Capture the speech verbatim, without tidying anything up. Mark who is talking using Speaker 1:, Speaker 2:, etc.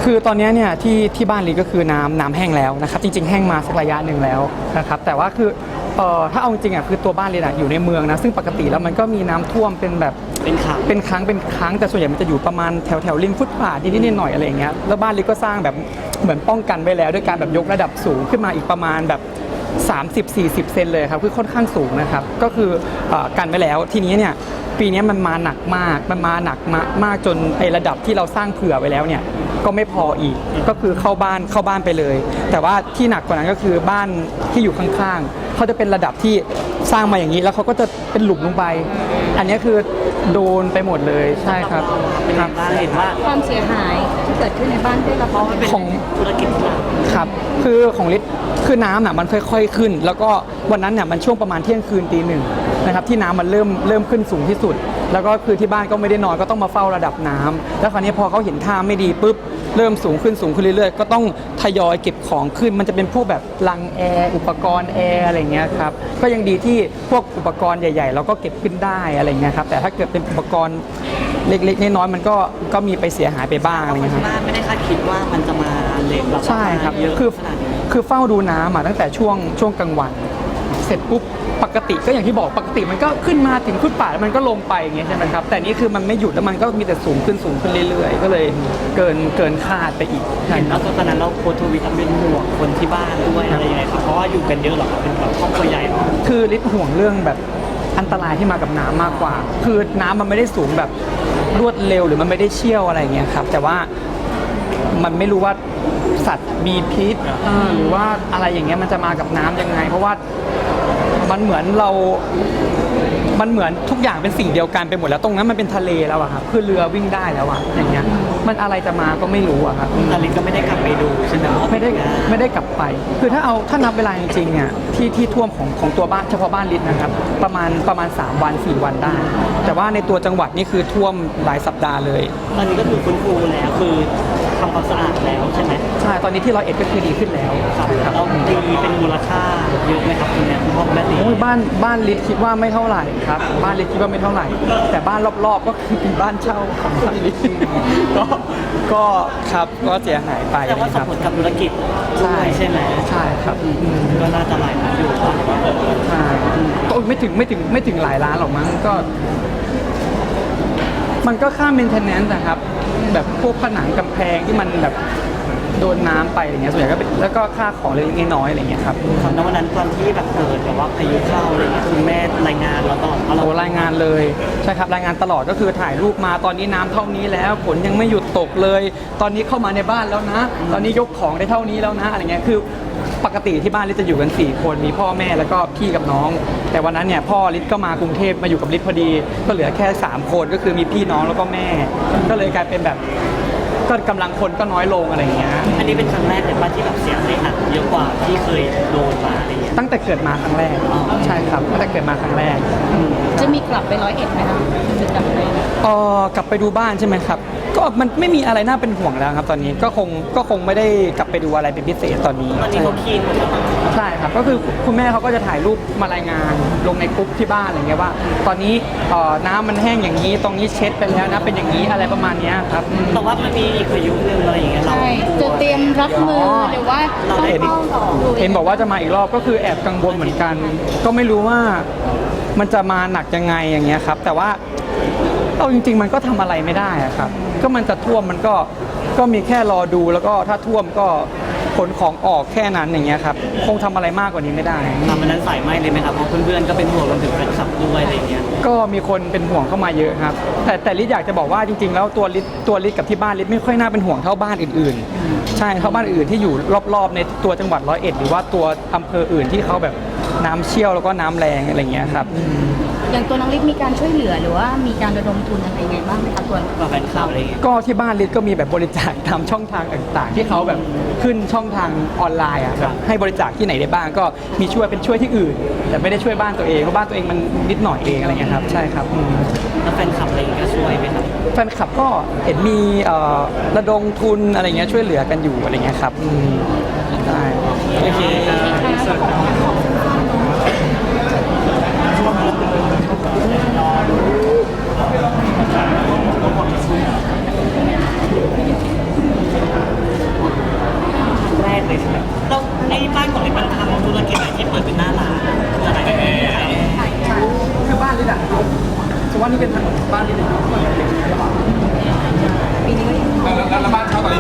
Speaker 1: คือตอนนี้เนี่ยที่ที่บ้านลิก็คือน้ำน้ำแห้งแล้วนะครับจริงๆแห้งมาสักระยะหนึ่งแล้วนะครับแต่ว่าคือเอ่อถ้าเอาจริงอ่ะคือตัวบ้านลิอ่ะอยู่ในเมืองนะซึ่งปกติแล้วมันก็มีน้ำท่วมเป็นแบบ
Speaker 2: เป็นครั้ง
Speaker 1: เป็นครั้งเป็นครั้งแต่ส่วนใหญ่มันจะอยู่ประมาณแถวแถวริมฟุตบาทนิดๆหน่อยๆอะไรอย่างเงี้ยแล้วบ้านลิก็สร้างแบบเหมือนป้องกันไว้แล้วด้วยการแบบยกระดับสูงขึ้นมาอีกประมาณแบบสามสิบ สี่สิบเซนเลยครับคือค่อนข้างสูงนะครับก็คือเอ่อกันไว้แล้วทีนี้เนี่ยปีนี้มันมาหนักมากมันมาหนักมากมากจนไอระดับที่เราสร้างเผื่อไว้แล้วเนี่ยก็ไม่พออีกก็คือเข้าบ้านเข้าบ้านไปเลยแต่ว่าที่หนักกว่านั้นก็คือบ้านที่อยู่ข้างๆเขาจะเป็นระดับที่สร้างมาอย่างนี้แล้วเขาก็จะเป็นหลุมลงไปอันนี้คือโดนไปหมดเลยใช่ครับ
Speaker 2: ครับเห็นว่า
Speaker 3: ความเสียหายที่เกิดขึ้นในบ้านได้รับผล
Speaker 1: ของ
Speaker 2: ธุรกิจ
Speaker 1: ครับคือของลิศคือน้ำน่ะมันค่อยๆขึ้นแล้วก็วันนั้นเนี่ยมันช่วงประมาณเที่ยงคืนตีหนึ่งนะครับที่น้ำมันเริ่มเริ่มขึ้นสูงที่สุดแล้วก็คือที่บ้านก็ไม่ได้นอนก็ต้องมาเฝ้าระดับน้ำแล้วคราวนี้พอเขาเห็นท่าไม่ดีปุ๊บเริ่มสูงขึ้นสูงขึ้นเรื่อยๆก็ต้องทยอยเก็บของขึ้นมันจะเป็นพวกแบบลังแอร์อุปกรณ์แอร์อะไรเงี้ยครับก็ยังดีที่พวกอุปกรณ์ใหญ่ๆเราก็เก็บขึ้นได้อะไรเงี้ยครับแต่ถ้าเกิดเป็นอุปกรณ์เล็กๆน้อยๆมันก็ก็มีไปเสียหายไปบ้างอะไรเงี้ยครับ
Speaker 2: บ้านไม่ได้คาดคิดว่ามันจะมาเล็กแบบ
Speaker 1: ใช่ครับคือคือเฝ้าดูน้ำมาตั้งแต่ช่วงช่วงกลางวันเสร็จปุ๊บปกติก็อย่างที่บอกปกติมันก็ขึ้นมาถึงฟุตบาทแล้วมันก็ลงไปอย่างเงี้ยใช่ไหมครับแต่นี่คือมันไม่หยุดแล้วมันก็มีแต่สูงขึ้นสูงขึ้นเรื่อยๆก็เลยเกินเกินคาดไปอีก
Speaker 2: เห็นแล้วตอนนั้นเราโพสต์ทวิตเป็นห่วงคนที่บ้านด้วยอะไรยังไงครับเพราะว่าอยู่กันเยอะหรอเป็นแบบครอบครัวใหญ่หรอ
Speaker 1: คือลิศห่วงเรื่องแบบอันตรายที่มากับน้ำมากกว่าคือน้ำมันไม่ได้สูงแบบรวดเร็วหรือมันไม่ได้เชี่ยวอะไรเงี้ยครับแต่ว่ามันไม่รู้ว่าสัตว์มีพิษหรือว่าอะไรอย่างเงี้ยมันจะมากับน้ำยังไงเพราะว่ามันเหมือนเรา มันเหมือนทุกอย่างเป็นสิ่งเดียวกันไปหมดแล้วตรงนั้นมันเป็นทะเลแล้วอะครับคือเรือวิ่งได้แล้วอะอย่างเงี้ยมันอะไรจะมาก็ไม่รู้อะครับ
Speaker 2: แต่ลิศก็ไม่ได้กลับไปดูใช่ไหม
Speaker 1: ไม่ได้ไม่ได้กลับไปคือถ้าเอาถ้านับเวลาจริงๆเนี่ยที่ที่ท่วมของของตัวบ้านเฉพาะบ้านลิศนะครับประมาณประมาณสามวันสี่วันได้แต่ว่าในตัวจังหวัดนี่คือท่วมหลายสัปดาห์เลย
Speaker 2: ตอนนี้ก็คือฟื้นฟูแล้วคือทำความสะอาดแล้วใช่ไหม
Speaker 1: ใช่ตอนนี้ที่ร้อยเอ็ดก็คือดีขึ้นแล้ว
Speaker 2: ครับเราตีเป็นมูลค่าเยอะไหมครับคุณแม่คุณพ่อแม่ตี
Speaker 1: บ้านบ้านลิศคิดว่าไม่เท่าไหร่ครับบ้านลิศคิดว่าไม่เท่าไหร่แต่บ้านรอบๆก็คือเป็นบ้านเช่าของบ้านลิศก็ก็ครับก็เสียหายไป
Speaker 2: แต่ว่าส่งผลกับธุรกิจใช่ใช่ไหม
Speaker 1: ใช่ครับ
Speaker 2: ก็น่าจะหลายล้านอยู่
Speaker 1: ใช่ก็ไม่ถึงไม่ถึงไม่ถึงหลายล้านหรอกมั้งก็มันก็ค่า maintenance นะครับแบบพวกผนังกำแพงที่มันแบบโดนน้ำไปอะไรเงี้ยส่วนใหญ่ก็แล้วก็ค่าของเล็กๆน้อยๆอะไรเงี้ยครับ
Speaker 2: ทำในวันนั้นตอนที่แบบเกิดแบบว่าพายุเข้าอะไรเงี้ยคุณแม่รายงานเราตลอด
Speaker 1: โอ้รายงานเลยใช่ครับรายงานตลอดก็คือถ่ายรูปมาตอนนี้น้ำเท่านี้แล้วฝนยังไม่หยุดตกเลยตอนนี้เข้ามาในบ้านแล้วนะตอนนี้ยกของได้เท่านี้แล้วนะอะไรเงี้ยคือปกติที่บ้านลิศจะอยู่กันสี่คนมีพ่อแม่แล้วก็พี่กับน้องแต่วันนั้นเนี่ยพ่อลิศก็มากรุงเทพมาอยู่กับลิศพอดีก็เหลือแค่สามคนก็คือมีพี่น้องแล้วก็แม่ก็เลยกลายเป็นแบบก็กำลังคนก็น้อยลงอะไรเงี้ย
Speaker 2: อันนี้เป็นครั้งแรกเลยป่ะที่แบบเสียหายหนักเยอะกว่าที่เคยโดนมาอะไรเงี้ย
Speaker 1: ตั้งแต่เกิดมาครั้งแรกใช่ครับตั้งแต่เกิดมาครั้งแรก
Speaker 3: จะมีกลับไปร้อยเอ็ดไหมคะจะกลับไป
Speaker 1: เออกลับไปดูบ้านใช่ไหมครับก็มันไม่มีอะไรน่าเป็นห่วงแล้วครับตอนนี้ก็คงก็คงไม่ได้กลับไปดูอะไรเป็นพิเศษตอนนี้
Speaker 2: ตอนนี้เขาคีนหมดแล้ว
Speaker 1: ใช่ครับก็คือคุณแม่เขาก็จะถ่ายรูปมารายงานลงในกรุ๊ปที่บ้านอะไรเงี้ยว่าตอนนี้น้ำมันแห้งอย่างนี้ตรงนี้เช็ดไปแล้วนะเป็นอย่างนี้อะไรประมาณนี้ครับ
Speaker 2: แต่ว่ามันมีอีกพายุนึงอะไรอย่างเงี้ยเรา
Speaker 3: จะเตรียมรับมือหรือว่า
Speaker 2: ต้อง
Speaker 1: เห็นบอกว่าจะมาอีกรอบก็คือแอบกังวลเหมือนกันก็ไม่รู้ว่ามันจะมาหนักยังไงอย่างเงี้ยครับแต่ว่าเอาจริงๆมันก็ทำอะไรไม่ได้อะครับก็มันจะท่วมมันก็ก็มีแค่รอดูแล้วก็ถ้าท่วมก็ขนของออกแค่นั้นอย่างเงี้ยครับคงทำอะไรมากกว่านี้ไม่ได้
Speaker 2: ทำมันนั้นใส่ไหมเลยไหมครับเพราะเพื่อนๆก็เป็นห่วงรวมถึงแฟนคลับด้วยอะไรเงี้ย
Speaker 1: ก็มีคนเป็นห่วงเข้ามาเยอะครับแต่แต่ลิศอยากจะบอกว่าจริงๆแล้วตัวลิศตัวลิศกับที่บ้านลิศไม่ค่อยน่าเป็นห่วงเท่าบ้านอื่นๆใช่เท่าบ้านอื่นที่อยู่รอบๆในตัวจังหวัดร้อยเอ็ดหรือว่าตัวอำเภออื่นที่เขาแบบน้ำเชี่ยวแล้วก็น้ำแรงอะไรเงี้ยครับ
Speaker 3: อย่างตัวน้องลิศมีการช่วยเหลือหรือว่ามีการระดมทุนอะไรยังไงบ้างไหมคะตัว
Speaker 2: แฟนคลับอะไรเงี้ย
Speaker 1: ก็ที่บ้านลิศก็มีแบบบริจาคตามช่องทางต่างๆที่เขาแบบขึ้นช่องทางออนไลน์อ่ะแบบให้บริจาคที่ไหนได้บ้างก็มีช่วยเป็นช่วยที่อื่นแต่ไม่ได้ช่วยบ้านตัวเองเพราะบ้านตัวเองมันนิดหน่อยเองอะไรเงี้ยครับใช่ครับ
Speaker 2: แล้วแฟนคลับอะไรก็ช่วยไหมครับ
Speaker 1: แฟนคลับก็เห็นมีระดมทุนอะไรเงี้ยช่วยเหลือกันอยู่อะไรเงี้ยครับใช่
Speaker 2: โอเคไอ้บ้านของลิศมันทำธุรกิจอะไรที่เปิดเป็นหน้าร้านอะไรแอร์
Speaker 1: ใช่คือบ้านลิศอะสมมติว่านี่เป็นถนนบ้านลิศเลย